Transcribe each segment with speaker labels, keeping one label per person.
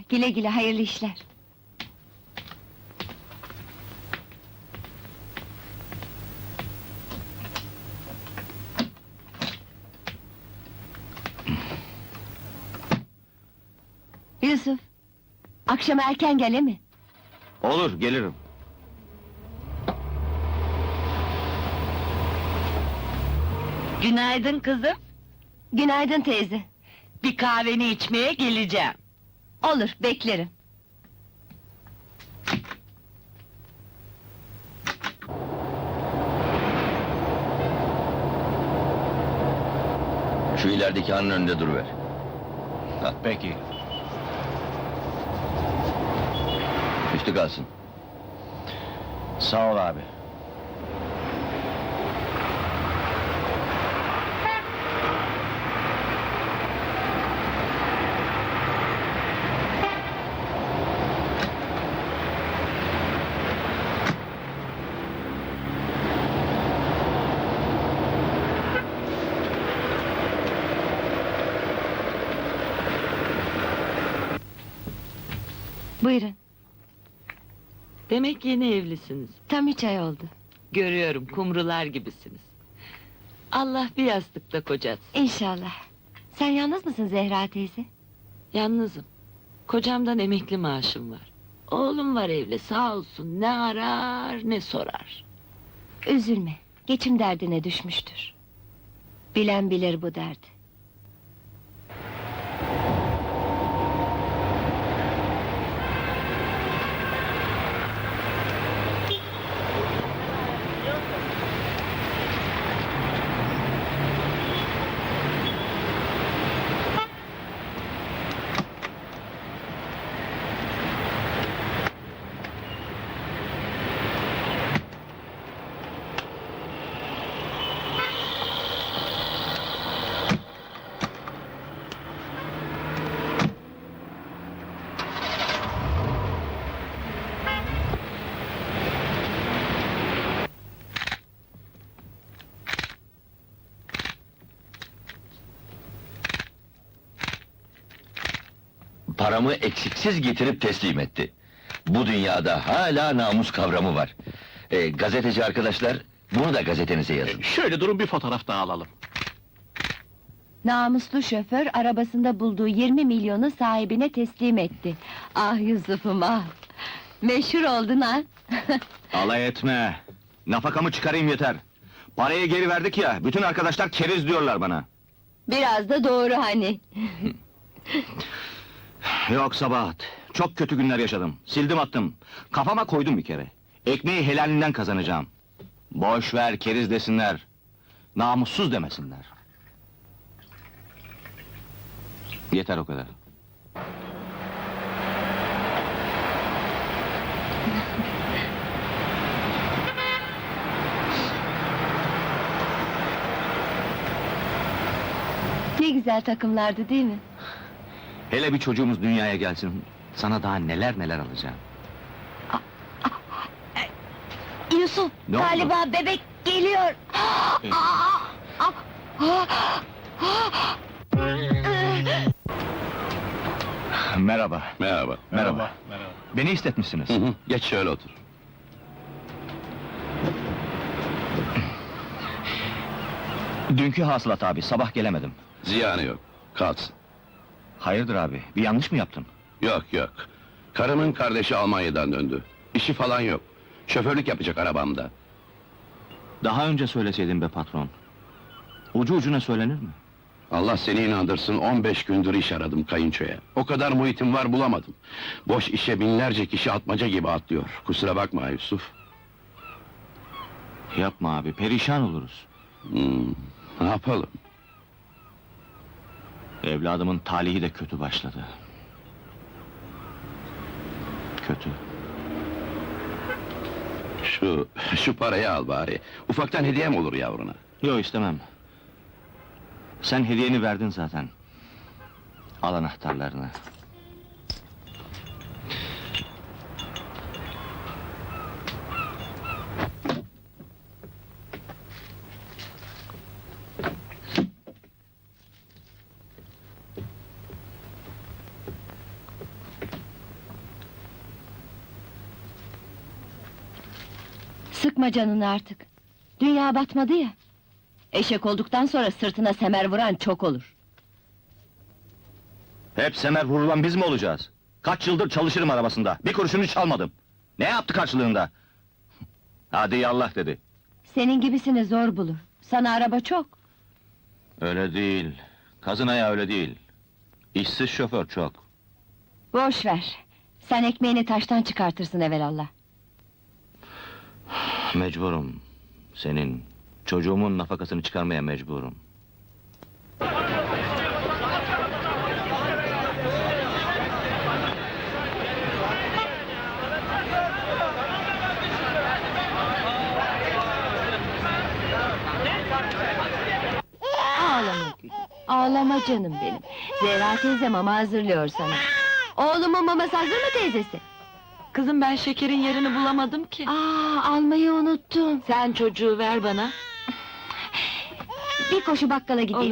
Speaker 1: Güle güle, hayırlı işler. Yusuf, akşam erken gele mi?
Speaker 2: Olur, gelirim.
Speaker 3: Günaydın kızım.
Speaker 1: Günaydın teyze.
Speaker 3: Bir kahveni içmeye geleceğim.
Speaker 1: Olur, beklerim.
Speaker 2: Şu ilerideki hanın önünde duruver.
Speaker 4: Peki.
Speaker 2: Üstü kalsın.
Speaker 4: Sağ ol abi.
Speaker 1: Buyurun,
Speaker 3: Demek yeni evlisiniz.
Speaker 1: tam 3 ay oldu.
Speaker 3: Görüyorum, kumrular gibisiniz. Allah bir yastıkta kocatsın.
Speaker 1: İnşallah. Sen yalnız mısın Zehra teyze?
Speaker 3: Yalnızım. Kocamdan emekli maaşım var. Oğlum var evli, sağ olsun, ne arar ne sorar.
Speaker 1: Üzülme, geçim derdine düşmüştür. Bilen bilir bu derdi.
Speaker 2: Paramı eksiksiz getirip teslim etti. Bu dünyada hala namus kavramı var. Gazeteci arkadaşlar, bunu da gazetenize yazın.
Speaker 4: Şöyle durun, bir fotoğraf daha alalım.
Speaker 1: Namuslu şoför arabasında bulduğu 20 milyonu sahibine teslim etti. Ah Yusuf'um ah! Meşhur oldun ha!
Speaker 4: Alay etme! Nafakamı çıkarayım yeter! Parayı geri verdik ya, bütün arkadaşlar keriz diyorlar bana.
Speaker 1: Biraz da doğru hani!
Speaker 4: Yok Sabahat, çok kötü günler yaşadım. Sildim attım. Kafama koydum bir kere. Ekmeği helalinden kazanacağım. Boş ver, keriz desinler. Namussuz demesinler. Yeter o kadar.
Speaker 1: Ne güzel takımlardı değil mi?
Speaker 4: Hele bir çocuğumuz dünyaya gelsin, sana daha neler neler alacağım.
Speaker 1: Yusuf,
Speaker 4: Ne oldu?
Speaker 1: galiba bebek geliyor!
Speaker 4: Merhaba.
Speaker 2: Merhaba.
Speaker 4: Merhaba. Beni istetmişsiniz.
Speaker 2: Geç şöyle otur.
Speaker 4: Dünkü hasılat abi, sabah gelemedim.
Speaker 5: Ziyanı yok, kalsın.
Speaker 4: Hayırdır abi, bir yanlış mı yaptım?
Speaker 5: Yok yok. Karımın kardeşi Almanya'dan döndü. İşi falan yok. Şoförlük yapacak arabamda.
Speaker 4: Daha önce söyleseydin be patron. Ucu ucuna söylenir mi?
Speaker 5: Allah seni inandırsın, 15 gündür iş aradım kayınçoya. O kadar muhitim var, bulamadım. Boş işe binlerce kişi atmaca gibi atlıyor. Kusura bakma Yusuf.
Speaker 4: Yapma abi, perişan oluruz.
Speaker 5: Ne yapalım?
Speaker 4: Evladımın talihi de kötü başladı. Kötü.
Speaker 5: Şu parayı al bari. Ufaktan hediyem olur yavruna.
Speaker 4: Yok istemem. Sen hediyeni verdin zaten. Al anahtarlarını.
Speaker 1: Sıkma canını artık. Dünya batmadı ya. Eşek olduktan sonra sırtına semer vuran çok olur.
Speaker 4: Hep semer vurulan biz mi olacağız? Kaç yıldır çalışırım arabasında, bir kuruşunu çalmadım. Ne yaptı karşılığında? Hadi yallah dedi.
Speaker 1: Senin gibisini zor bulur. Sana araba çok.
Speaker 4: Öyle değil, kazın ayağı öyle değil. İşsiz şoför çok.
Speaker 1: Boş ver. Sen ekmeğini taştan çıkartırsın evelallah.
Speaker 4: Mecburum. Senin, çocuğumun nafakasını çıkarmaya mecburum.
Speaker 1: Ağlama gülüm. Ağlama canım benim. Zehra teyze mama hazırlıyor sana. Oğlumun maması hazır mı teyzesi?
Speaker 3: Kızım ben şekerin yerini bulamadım ki.
Speaker 1: Almayı unuttum.
Speaker 3: Sen çocuğu ver bana.
Speaker 1: Bir koşu bakkala gideyim.
Speaker 3: Olur.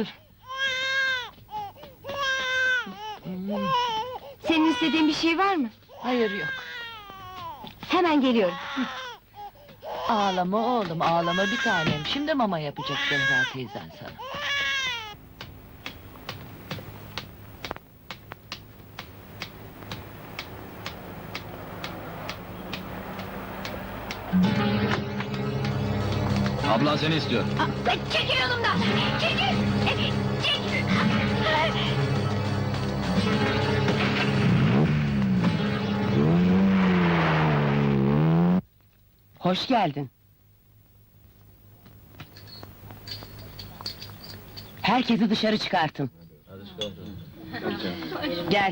Speaker 1: Senin istediğin bir şey var mı?
Speaker 3: Hayır yok.
Speaker 1: Hemen geliyorum.
Speaker 3: Ağlama oğlum, ağlama bir tanem. Şimdi mama yapacak Zehra teyzen sana.
Speaker 4: Ablan seni istiyor.
Speaker 1: Çekil yolumdan! Çekil! Çekil!
Speaker 6: Hoş geldin. Herkesi dışarı çıkartın. Gel.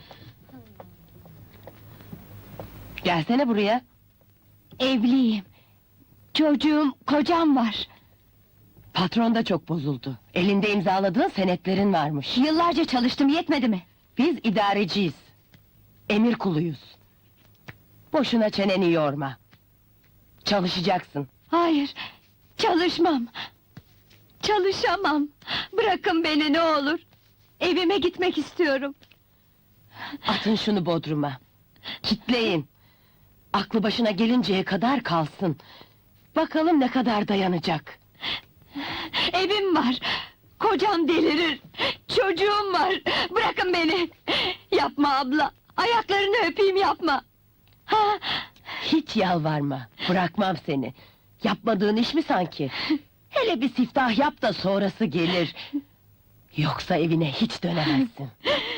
Speaker 6: Gelsene buraya.
Speaker 1: Evliyim. Çocuğum, kocam var.
Speaker 6: Patron da çok bozuldu. Elinde imzaladığın senetlerin varmış.
Speaker 1: Yıllarca çalıştım, yetmedi mi?
Speaker 6: Biz idareciyiz. Emir kuluyuz. Boşuna çeneni yorma. Çalışacaksın.
Speaker 1: Hayır, çalışmam. Çalışamam. Bırakın beni ne olur. Evime gitmek istiyorum.
Speaker 6: Atın şunu bodruma. Kitleyin. Aklı başına gelinceye kadar kalsın. Bakalım ne kadar dayanacak.
Speaker 1: Evim var. Kocam delirir. Çocuğum var. Bırakın beni. Yapma abla. Ayaklarını öpeyim, yapma. Ha,
Speaker 6: Hiç yalvarma. Bırakmam seni. Yapmadığın iş mi sanki? Hele bir siftah yap da sonrası gelir. Yoksa evine hiç dönemezsin.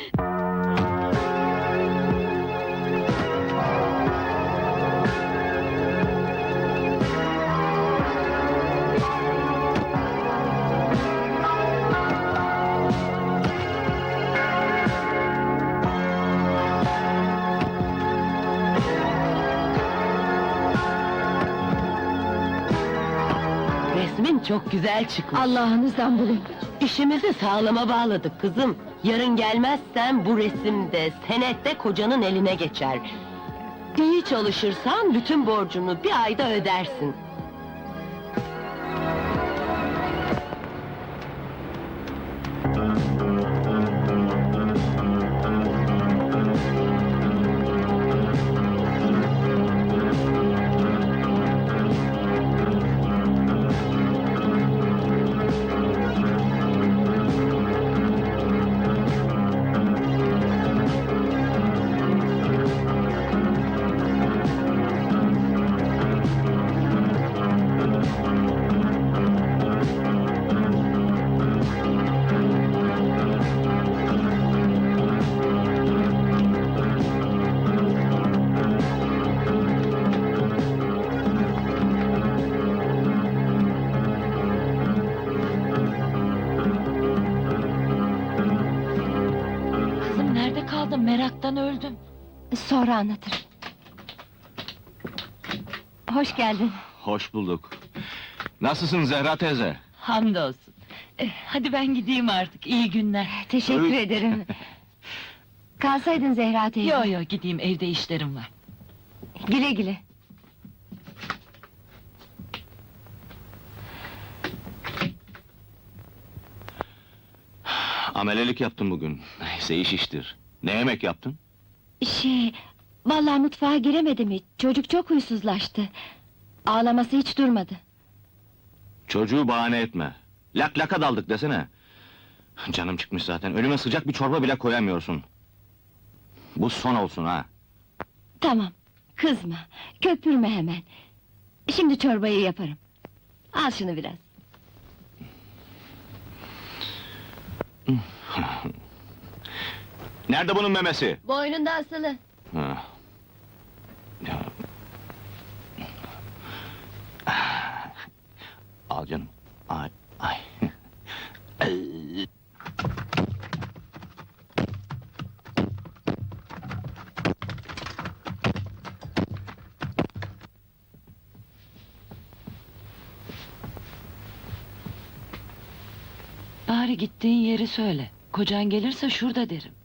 Speaker 6: Resmin çok güzel çıkmış.
Speaker 1: Allah'ınızdan bulun.
Speaker 6: İşimizi sağlama bağladık kızım. Yarın gelmezsen bu resimde, senette kocanın eline geçer. İyi çalışırsan bütün borcunu bir ayda ödersin.
Speaker 3: Kızım nerede kaldın? Meraktan öldüm.
Speaker 1: Sonra anlatırım. Hoş geldin.
Speaker 4: Hoş bulduk. Nasılsın Zehra teyze?
Speaker 3: Hamdolsun. Hadi ben gideyim artık, iyi günler.
Speaker 1: Teşekkür
Speaker 4: Öyle-
Speaker 1: ederim. Kalsaydın Zehra teyze.
Speaker 3: Yo yo gideyim, evde işlerim var.
Speaker 1: Güle güle.
Speaker 4: Amelelik yaptım bugün. Neyse iş iştir. Ne yemek yaptın?
Speaker 1: Vallahi mutfağa giremedim hiç. Çocuk çok huysuzlaştı. Ağlaması hiç durmadı.
Speaker 4: Çocuğu bahane etme. Lak laka daldık desene. Canım çıkmış zaten. Önüme sıcak bir çorba bile koyamıyorsun. Bu son olsun ha.
Speaker 1: Tamam, kızma, köpürme hemen. Şimdi çorbayı yaparım. Al şunu biraz.
Speaker 4: Nerede bunun memesi?
Speaker 1: Boynunda asılı.
Speaker 4: Ha. Ya. Al canım. Ay, ay.
Speaker 3: Bari gittiğin yeri söyle. Kocan gelirse şurada derim.